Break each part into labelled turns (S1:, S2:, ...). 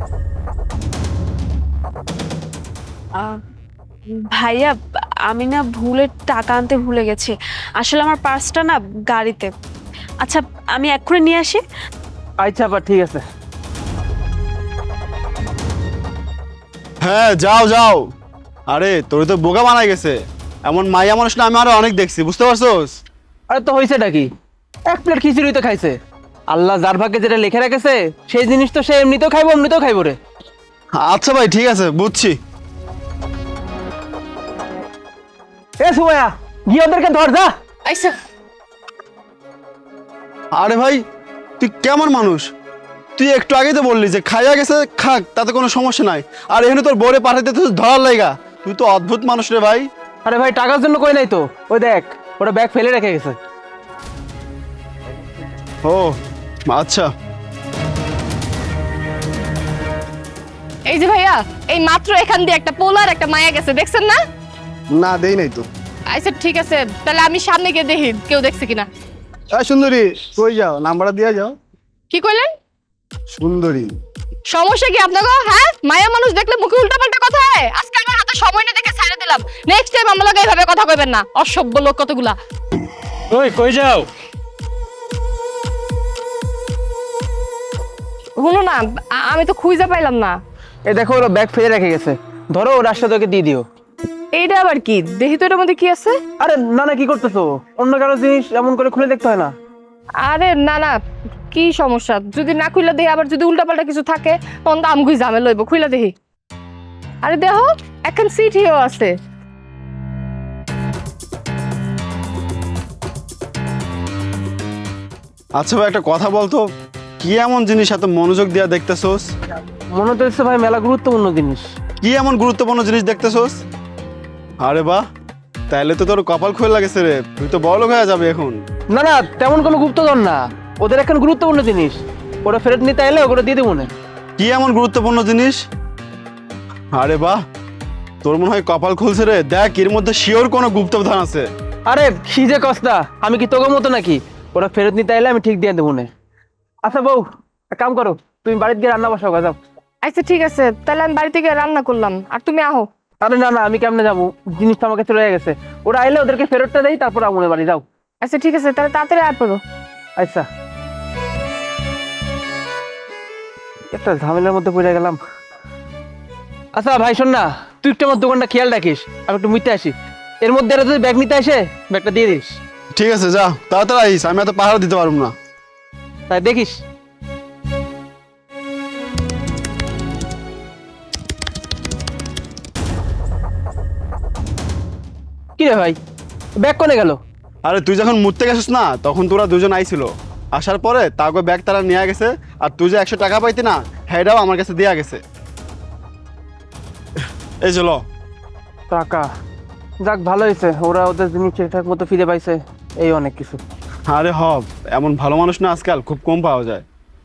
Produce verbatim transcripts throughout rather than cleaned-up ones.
S1: আহ, ভাইয়া, আমি না ভুলে টাকা আনতে ভুলে গেছি। আসলে আমার পার্সটা না গাড়িতে। আচ্ছা, আমি এক্ষুনি নিয়ে আসি।
S2: আচ্ছা বা ঠিক আছে।
S3: হ্যাঁ যাও যাও। আরে তোর তো বোকা বানাই গেছে। এমন মাইয়া মানুষ না আমি আরো অনেক দেখছি, বুঝতে পারছোস?
S2: আরে তো হয়েছেটা কি, এক প্লেট খিচুড়ি তো খাইছে। আল্লাহ যার ভাগ্যে যেটা লিখে রেখেছে সেই জিনিস তো সে এমনিতেও খাইবো এমনিতেও খাইবো রে।
S3: আচ্ছা ভাই ঠিক আছে, বুঝছি।
S2: এ সুমাইয়া, গিয়ে ওদেরকে ধর যা।
S1: আচ্ছা।
S3: আরে ভাই তুই কেমন মানুষ? তুই একটু আগেই তো বললি যে খাইয়া গেছে খাক, তাতে কোনো সমস্যা নাই। আর এখানে তোর বোরে পাঠাইতে তুই ধরার লাইগা। তুই তো অদ্ভুত মানুষ রে ভাই।
S2: আরে ভাই টাকার জন্য কই নাই তো, ওই দেখ ওটা ব্যাগ ফেলে রেখে গেছে।
S3: ও আচ্ছা।
S4: এই যে ভাইয়া, এই মাত্র এখান দিয়ে একটা পোলার একটা মায়া গেছে, দেখছেন না?
S3: না দেই নাই তো।
S4: আচ্ছা ঠিক আছে, তাহলে আমি সামনে গিয়ে দেখি কেউ দেখছে কিনা।
S3: এই সুন্দরী, কই যাও? নাম্বারটা দিয়ে যাও।
S4: কি কইলেন?
S3: সুন্দরী।
S4: সমস্যা কি আপনাকে? হ্যাঁ, মায়া মানুষ দেখলে মুখে উল্টাপাল্টা কথা হয়। আজকে আমার হাতে সময় নেই দেখে ছেড়ে দিলাম। নেক্সট টাইম আমার লগে এইভাবে কথা কইবেন না, অসভ্য লোক কতগুলা।
S2: ওই কই যাও?
S4: শুনো না, আ- আমি তো খুঁজে পাইলাম না।
S2: এই দেখো ওরা ব্যাগ ফেলে রেখে গেছে, ধরো ওর রাস্তা তোকে দিয়ে দিও।
S4: এইটা আবার কি? দেখি তো এটার মধ্যে কি আছে।
S2: আরে না না, কি করতেছো? অন্য কারো জিনিস এমন করে খুলে দেখতে হয় না।
S4: আরে না না, কি সমস্যা? যদি না খুইলা দেখি, আবার যদি উল্টাপাল্টা কিছু থাকে তখন তো আমগুই ঝামেলা লইব। খুইলা দেখি। আরে দেখো, এখন সিটিও আছে।
S3: আচ্ছা ভাই একটা কথা বলতো, কি এমন জিনিস এত মনোযোগ দিয়া দেখতেছোস?
S2: মনে তো হচ্ছে ভাই মেলা গুরুত্বপূর্ণ জিনিস।
S3: কি এমন গুরুত্বপূর্ণ জিনিস দেখতেছোস? আরে বাহ, তাইলে তো তোর কপাল খুলে লাগেছে রে, তুই তো বড় লোক হয়ে যাবে এখন।
S2: না না, তেমন কোনো গুপ্তধন না, ওদের এখন গুরুত্বপূর্ণ জিনিস। ওরা ফেরত নিতে এলে ওগুলো দিয়ে দেবো না।
S3: কি এমন গুরুত্বপূর্ণ জিনিস? আরে বাহ, তোর মনে হয় কপাল খুলছে রে। দেখ এর মধ্যে শিওর কোনো গুপ্তধন আছে।
S2: আরে কি যে কস্তা, আমি কি তোকে মতো নাকি? ওরা ফেরত নিতে এলে আমি ঠিক দিয়ে দেবো না। আচ্ছা বউ, এক কাম করো, তুমি বাড়িতে গিয়ে রান্না বসাও, যাও।
S4: আচ্ছা ঠিক আছে, তাহলে আমি বাড়ি থেকে রান্না করলাম আর তুমি আহো।
S2: আরে না না, আমি কেমনে যাবো? জিনিসটা আমাকে চলে গেছে। ওরা আইলে ওদেরকে ফেরতটা দেই, তারপর আমনের বাড়ি যাও।
S4: আচ্ছা ঠিক আছে, তাহলে তাড়াতাড়ি আর পড়ো।
S2: আচ্ছা, একটা ঝামেলার মধ্যে পড়ে গেলাম। আচ্ছা ভাই শোন না, তুই একটু আমার দোকানটা খেয়াল রাখিস, আমি একটু মুইতে আসি। এর মধ্যে এরা যদি ব্যাগ নিতে আসে, ব্যাগটা দিয়ে দিস।
S3: ঠিক আছে যা, তাড়াতাড়ি আইস, আমি এত পাহাড় দিতে পারবো না।
S2: তাই দেখিস। কি রে ভাই, ব্যাগ কোনে গেল?
S3: আরে তুই যখন মুততে গেছিস না, তখন তোরা দুজন আইছিল। আসার পরে তাকে ব্যাগ তারা নিয়ে গেছে। আর তুই যে একশো টাকা পাইতি না, হেটাও আমার কাছে দেয়া গেছে। এই চলো।
S2: টাকা, যাক ভালো হয়েছে, ওরা ওদের জিনিস ঠিকঠাক মতো ফিরে পাইছে, এই অনেক কিছু।
S3: আরে হব, এমন ভালো মানুষ না আজকাল খুব কম পাওয়া যায়।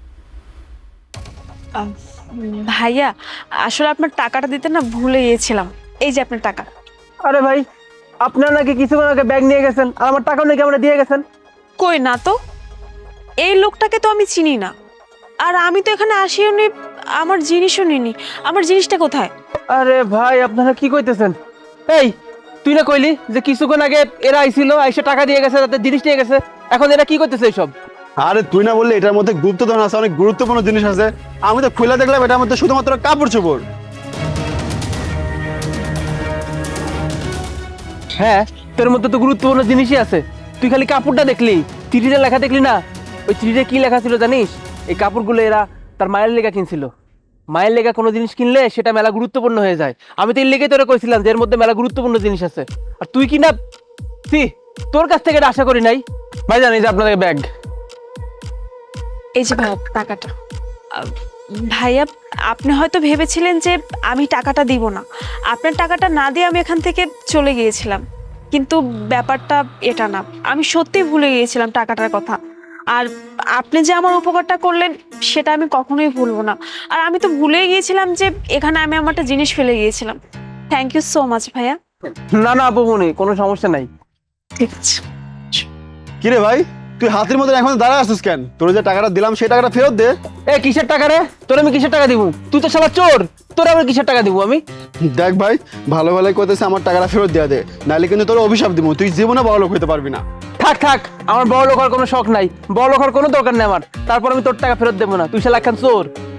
S1: আহ, ভাইয়া, আসলে আপনার টাকাটা দিতে না ভুলে গিয়েছিলাম। এই যে আপনার টাকা।
S2: আরে ভাই, আপনার নাকি কিছুক্ষণ আগে ব্যাগ নিয়ে গেছেন, আর আমার টাকাও নাকি আমরা দিয়ে গেছেন।
S1: কই না তো, এই লোকটাকে তো আমি চিনি না। আর আমি তো এখানে আসিও নি, আমার জিনিসও নিনি। আমার জিনিসটা কোথায়?
S2: আরে ভাই আপনারা কি কইতেছেন? এই তুই না কইলি যে কিছুক্ষণ আগে এরা আইছিল, আইসে টাকা দিয়ে গেছে, তাদের জিনিস নিয়ে গেছে, এখন এরা কি করতেছে এইসব?
S3: আরে তুই না বললি এটার মধ্যে গুপ্তধন আছে, অনেক গুরুত্বপূর্ণ জিনিস আছে। আমি তো খুলে দেখলাম এটার মধ্যে শুধুমাত্র কাপড় চোপড়।
S2: হ্যাঁ, তোর মধ্যে তো গুরুত্বপূর্ণ জিনিসই আছে। তুই খালি কাপড়টা দেখলি, চিঠিটা লেখা দেখলি না? ওই চিঠিটা কি লেখা ছিল জানিস? এই কাপড়গুলো এরা তার মায়ের লেগা কিনছিল। মায়ের লেগা কোনো জিনিস কিনলে সেটা মেলা গুরুত্বপূর্ণ হয়ে যায়। আমি তো এর লেগে তোরা কইছিলাম যে এর মধ্যে মেলা গুরুত্বপূর্ণ জিনিস আছে। আর তুই কি না, তুই তোর কাছ থেকে এটা আশা করি নাই। ভাই জানি যে আপনাদের ব্যাগ।
S1: এই যে ভাইয়া টাকাটা। আহ, ভাইয়া, আপনি হয়তো ভেবেছিলেন যে আমি টাকাটা দিব না। আপনার টাকাটা না দিয়ে আমি এখান থেকে চলে গিয়েছিলাম, কিন্তু ব্যাপারটা এটা না। আমি সত্যিই ভুলে গিয়েছিলাম টাকাটার কথা। আর আপনি যে আমার উপকারটা করলেন সেটা আমি কখনোই ভুলবো না। আর আমি তো ভুলেই গিয়েছিলাম যে এখানে আমি আমার একটা জিনিস ফেলে গিয়েছিলাম। থ্যাংক ইউ সো মাচ ভাইয়া।
S2: না না আপু মনি, কোনো সমস্যা নাই।
S1: ঠিক আছে।
S3: কিরে ভাই, তুই হাতের মধ্যে এখন দাঁড়ায় আসিস কেন? তোর যে টাকাটা দিলাম সেই টাকাটা ফেরত দে।
S2: এ কিসের টাকা রে? তোর আমি কিসের টাকা দিব? তুই তো শালা চোর, তোর আমি কিসের টাকা দিব আমি?
S3: দেখ ভাই, ভালো ভালো করতেছে, আমার টাকাটা ফেরত দেওয়া দে, নাহলে কিন্তু তোর অভিশাপ দিব, তুই জীবনে বড় লোক হতে পারবি না।
S2: থাক থাক, আমার বড় লোক হওয়ার কোনো শখ নাই, বড় লোক হওয়ার কোনো দরকার নেই আমার। তারপর আমি তোর টাকা ফেরত দেবো না, তুই শালা একখান চোর।